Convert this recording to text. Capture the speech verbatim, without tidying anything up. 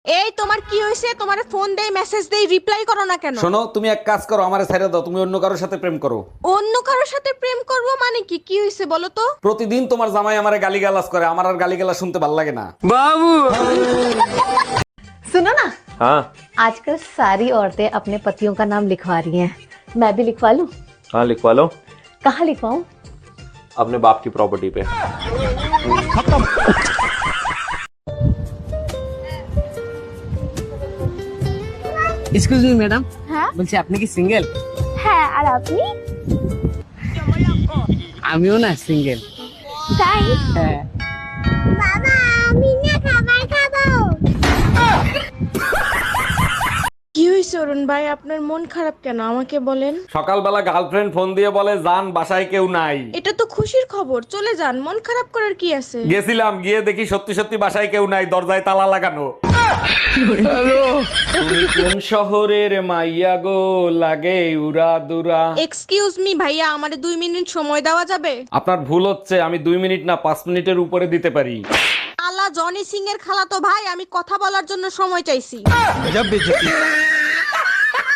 এই তোমার কি হয়েছে? তোমারে ফোন দেই, মেসেজ দেই, রিপ্লাই করো না কেন? শোনো, তুমি এক কাজ করো, আমারে ছেড়ে দাও, তুমি অন্য কারোর সাথে প্রেম করো। অন্য কারোর সাথে প্রেম করব মানে কি? কি হয়েছে বলো তো? প্রতিদিন তোমার জামাই আমারে গালিগালাজ করে, আমার আর গালিগালাজ শুনতে ভালো লাগে না। सुनो ना, हाँ आजकल सारी औरतें अपने पतियों का नाम लिखवा रही हैं। मैं भी लिखवा लूं? हाँ लिखवा लो, कहाँ लिखवाऊं? अपने बाप की प्रॉपर्टी पे। এক্সকিউজ মি ম্যাডাম, হ্যাঁ বলছি আপনি কি সিঙ্গেল? হ্যাঁ, আর আপনি? আমিও না সিঙ্গেল। তাই? হ্যাঁ। বাবা, আমি না খাবার খাবো। কি হয়েছে অরুণ ভাই, আপনার মন খারাপ কেন আমাকে বলেন? সকালবেলা গার্লফ্রেন্ড ফোন দিয়ে বলে জান বাসায় কেউ নাই। এটা তো খুশির খবর, চলে যান, মন খারাপ করার কি আছে? গেছিলাম, গিয়ে দেখি সত্যি সত্যি বাসায় কেউ নাই, দরজায় তালা লাগানো। তুমি কোন শহরের মাইয়া গো, লাগে উরা দুরা। এক্সকিউজ মি ভাইয়া, আমারে দুই মিনিট সময় দেওয়া যাবে? আপনার ভুল হচ্ছে, আমি দুই মিনিট না পাঁচ মিনিটের উপরে দিতে পারি। আলা জনি সিং এর খালাতো ভাই, আমি কথা বলার জন্য সময় চাইছি।